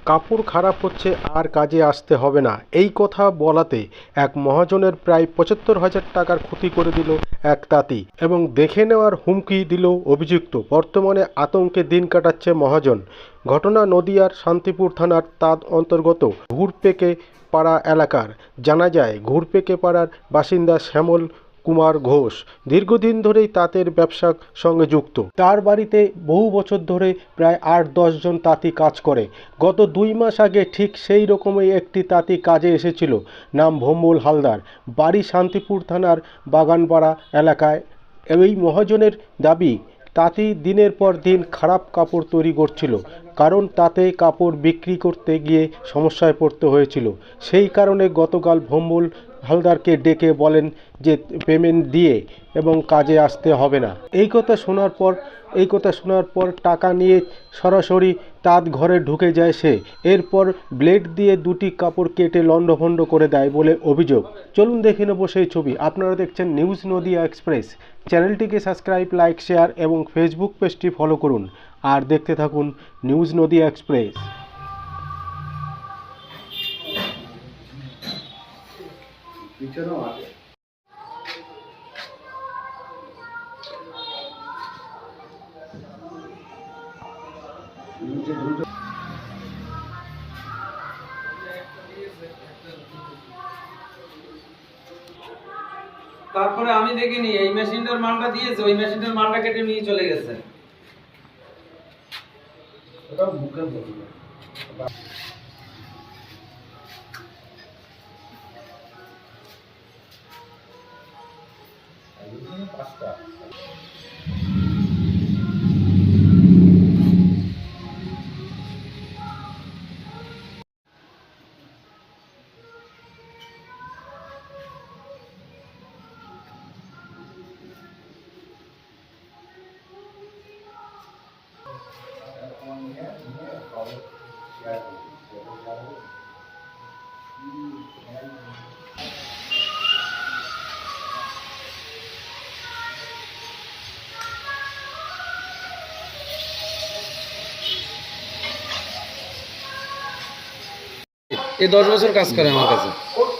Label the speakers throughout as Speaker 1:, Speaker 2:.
Speaker 1: কাপড় খারাপ হচ্ছে আর কাজে আসতে হবে না, এই কথা বলাতে এক মহাজনের প্রায় ৭৫,০০০ টাকার ক্ষতি করে দিল এক তাঁতি এবং দেখে নেওয়ার হুমকি দিল অভিযুক্ত। বর্তমানে আতঙ্কে দিন কাটাচ্ছে মহাজন। ঘটনা নদিয়ার শান্তিপুর থানার তাঁত অন্তর্গত ঘুরপেকে পাড়া এলাকার। জানা যায়, ঘুরপেকে পাড়ার বাসিন্দা শ্যামল কুমার ঘোষ দীর্ঘদিন ধরেই তাঁতের ব্যবসার সঙ্গে যুক্ত। তার বাড়িতে বহু বছর ধরে প্রায় ৮-১০ জন তাঁতি কাজ করে। গত ২ মাস আগে ঠিক সেই রকমই একটি তাঁতি কাজে এসেছিল, নাম ভম্বল হালদার, বাড়ি শান্তিপুর থানার বাগানপাড়া এলাকায়। এই মহাজনের দাবি, তাঁতি দিনের পর দিন খারাপ কাপড় তৈরি করছিল, কারণ তাতে কাপড় বিক্রি করতে গিয়ে সমস্যায় পড়তে হয়েছিল। সেই কারণে গতকাল ভম্বল হালদারকে ডেকে বলেন যে পেমেন্ট দিয়ে এবং কাজে আসতে হবে না। এই কথা শোনার পর টাকা নিয়ে সরাসরি তাঁত ঘরে ঢুকে যায় সে। এরপর ব্লেড দিয়ে দুটি কাপড় কেটে লণ্ডভণ্ড করে দেয় বলে অভিযোগ। চলুন দেখে নেব সেই ছবি। আপনারা দেখছেন নিউজ নদিয়া এক্সপ্রেস। চ্যানেলটিকে সাবস্ক্রাইব, লাইক, শেয়ার এবং ফেসবুক পেজটি ফলো করুন আর দেখতে থাকুন নিউজ নদিয়া এক্সপ্রেস।
Speaker 2: তারপরে আমি দেখিনি এই মেশিনটার মালটা দিয়েছে, ওই মেশিনটার মালটা কেটে নিয়ে চলে গেছে। ওটা বুকে বলবো পাঁচটা। এই 10 বছর কাজ করে আমার কাছে।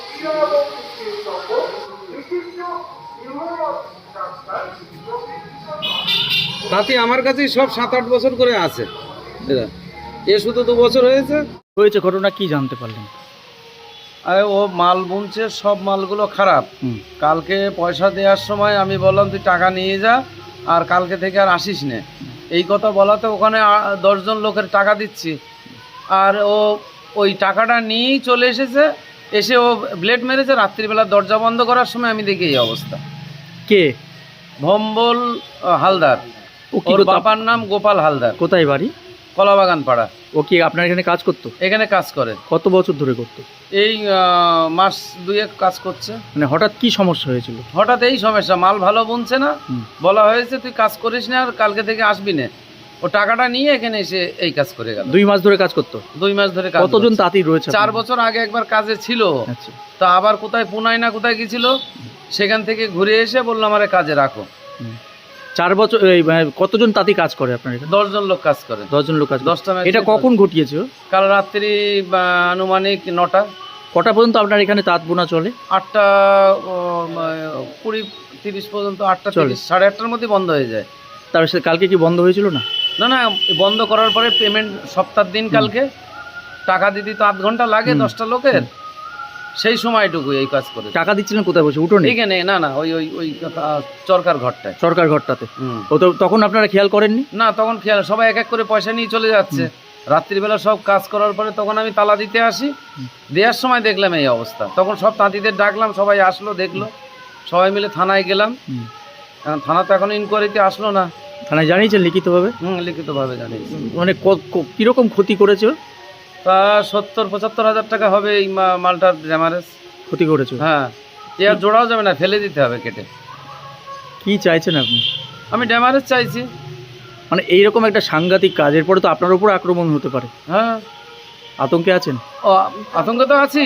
Speaker 2: তাতে আমার কাছে সব 7-8 বছর করে আছে। এ শুধু 2 বছর হয়েছে।
Speaker 3: ঘটনা কি জানতে পারলেন?
Speaker 2: আরে ও মাল বুনছে, সব মালগুলো খারাপ। কালকে পয়সা দেওয়ার সময় আমি বললাম তুই টাকা নিয়ে যা, আর কালকে থেকে আর আসিস না, এই কথা বলাতে ওখানে 10 জন লোকের টাকা দিচ্ছি, আর ও ওই টাকাটা নিয়েই চলে এসেছে। এসে ও ব্লেড মেরেছে। রাত্রিবেলা দরজা বন্ধ করার সময় আমি দেখি এই অবস্থা।
Speaker 3: কে?
Speaker 2: ভম্বল হালদার। ওর বাবার নাম গোপাল হালদার।
Speaker 3: কোথায় বাড়ি?
Speaker 2: কলাবাগান পাড়া।
Speaker 3: ও কি আপনার এখানে কাজ করতো?
Speaker 2: এখানে কাজ করে।
Speaker 3: কত বছর ধরে করতো?
Speaker 2: এই মাস 2 কাজ করছে।
Speaker 3: মানে হঠাৎ কি সমস্যা হয়েছিল?
Speaker 2: হঠাৎ এই সমস্যা, মাল ভালো বুনছে না, বলা হয়েছে তুই কাজ করিস না আর কালকে থেকে আসবি না। ও টাকাটা নিয়ে এখানে এসে এই কাজ করে গেল।
Speaker 3: 2 মাস ধরে কাজ করতো?
Speaker 2: 2 মাস ধরে কাজ।
Speaker 3: কতজন তাঁতি রয়েছে?
Speaker 2: 4 বছর আগে একবার কাজে ছিল।
Speaker 3: আচ্ছা।
Speaker 2: তা আবার কোথায় পুনায় না কোথায় গেছিল, সেখান থেকে ঘুরে এসে বললো আমারে কাজে রাখো।
Speaker 3: 4 বছর। কতজন তাঁতি কাজ করে আপনার এখানে?
Speaker 2: 10 জন লোক কাজ করে।
Speaker 3: 10 জন লোক কাজ।
Speaker 2: 10টা।
Speaker 3: এটা কখন ঘটিয়েছে?
Speaker 2: কাল রাত্রি আনুমানিক 9টা।
Speaker 3: কটা পর্যন্ত আপনার এখানে তাঁত বোনা চলে?
Speaker 2: 8টা 20-30 পর্যন্ত। 8টা 30, 8:30টার মধ্যে বন্ধ হয়ে যায়।
Speaker 3: তার সাথে কালকে কি বন্ধ হয়েছিল না?
Speaker 2: না না, বন্ধ করার পরে পেমেন্ট সপ্তাহের দিন কালকে টাকা দিতে তো 8 ঘন্টা লাগে 10টা লোকের, সেই সময়টুকু এই কাজ করে।
Speaker 3: টাকা দিচ্ছিলেন কোথায় বসে? উঠোনে?
Speaker 2: এখানে না না, ওই ওই ওই চরকার ঘরটায়।
Speaker 3: সরকার ঘরটাতে? ও তো তখন আপনারা খেয়াল করেননি?
Speaker 2: না, তখন খেয়াল, সবাই এক এক করে পয়সা নিয়ে চলে যাচ্ছে। রাত্রিবেলা সব কাজ করার পরে তখন আমি তালা দিতে আসি, দেওয়ার সময় দেখলাম এই অবস্থা। তখন সব তাঁতিদের ডাকলাম, সবাই আসলো, দেখলো, সবাই মিলে থানায় গেলাম। থানা তো এখন ইনকোয়ারিতে আসলো না।
Speaker 3: থানায় জানিয়েছেন লিখিতভাবে?
Speaker 2: লিখিতভাবে জানিয়েছি।
Speaker 3: মানে কিরকম ক্ষতি করেছে?
Speaker 2: তা 70-75 হাজার টাকা হবে এই মালটার ড্যামারেজ।
Speaker 3: ক্ষতি করেছে?
Speaker 2: হ্যাঁ, এ আর জোড়াও যাবে না, ফেলে দিতে হবে কেটে।
Speaker 3: কি চাইছেন আপনি?
Speaker 2: আমি ড্যামারেজ চাইছি।
Speaker 3: মানে এইরকম একটা সাংঘাতিক কাজের পরে তো আপনার উপর আক্রমণ হতে পারে।
Speaker 2: হ্যাঁ,
Speaker 3: আতঙ্কে আছেন?
Speaker 2: ও আতঙ্কে তো আছি।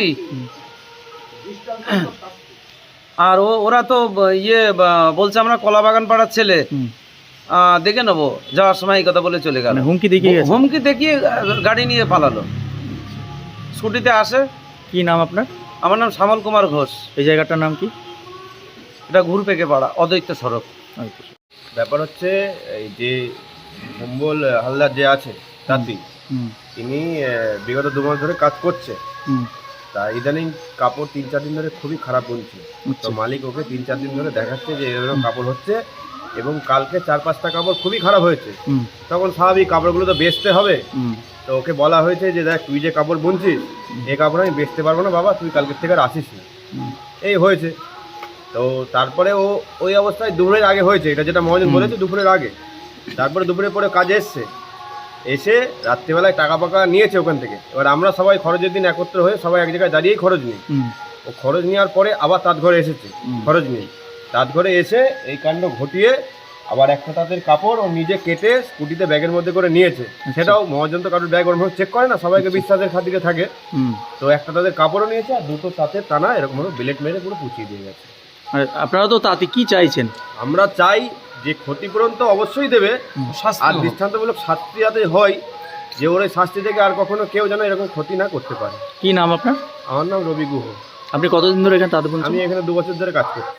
Speaker 2: আর ওরা তো বলছে আমরা কলাবাগান পাড়ার ছেলে, দেখে নেবো, যাওয়ার সময় এই কথা বলে চলে গেল।
Speaker 3: হুমকি দেখিয়ে?
Speaker 2: হুমকি দেখিয়ে গাড়ি নিয়ে পালালো। ছুটিতে আসে।
Speaker 3: কি নাম আপনার?
Speaker 2: আমার নাম শ্যামল কুমার ঘোষ।
Speaker 3: এই জায়গাটার নাম কি?
Speaker 2: এটা ঘুরপেকে পাড়া, অদ্বৈত সড়ক।
Speaker 4: ব্যাপার হচ্ছে এই যে সম্বল হালদার যে আছে তাঁতি, তিনি বিগত 2 মাস ধরে কাজ করছে। তা ইদানিং কাপড় 3-4 দিন ধরে খুবই খারাপ বুনছে। তো মালিক ওকে 3-4 দিন ধরে দেখাচ্ছে যে এরকম কাপড় হচ্ছে, এবং কালকে 4-5টা কাপড় খুবই খারাপ হয়েছে। তখন স্বাভাবিক কাপড়গুলো তো বেচতে হবে। তো ওকে বলা হয়েছে যে দেখ, তুই যে কাপড় বুনছিস এই কাপড় আমি বেচতে পারবো না বাবা, তুই কালকের থেকে আর আসিস না। এই হয়েছে। তো তারপরে ও ওই অবস্থায় দুপুরের আগে হয়েছে, এটা যেটা মহাজন বলেছে দুপুরের আগে। তারপরে দুপুরের পরে কাজে এসে রাত্রিবেলায় টাকা পাকা নিয়েছে ওখান থেকে। এবার আমরা সবাই খরচের দিন একত্র হয়ে সবাই এক জায়গায় দাঁড়িয়েই খরচ নিই। ও খরচ নেওয়ার পরে আবার তাঁত ঘরে এসেছে খরচ নিয়ে। তাঁত ঘরে এসে এই কাণ্ড ঘটিয়ে আবার একটা তাঁতের কাপড় ও নিজে কেটে স্কুটিতে ব্যাগের মধ্যে করে নিয়েছে। সেটাও মহাজন তো কারোর ব্যাগ ওরকম চেক করে না, সবাইকে বিশ্বাসের খাতিরে থাকে। তো একটা তাঁতের কাপড়ও নিয়েছে আর 2টো তাঁতের টানা এরকমভাবে বেলেট মেরে পুরো পুচিয়ে দিয়ে গেছে।
Speaker 3: আর আপনারা তো তাতে কি চাইছেন?
Speaker 4: আমরা চাই যে ক্ষতিপূরণ তো অবশ্যই দেবে, আর দৃষ্টান্তমূলক শাস্তি যাতে হয়, যে ওর এই শাস্তি থেকে আর কখনো কেউ যেন এরকম ক্ষতি না করতে পারে।
Speaker 3: কি নাম আপনার?
Speaker 4: আমার নাম রবি গুহ।
Speaker 3: আপনি কতদিন ধরে এখানে তাঁত বুনছেন?
Speaker 4: আমি এখানে 2 বছর ধরে কাজ করছি।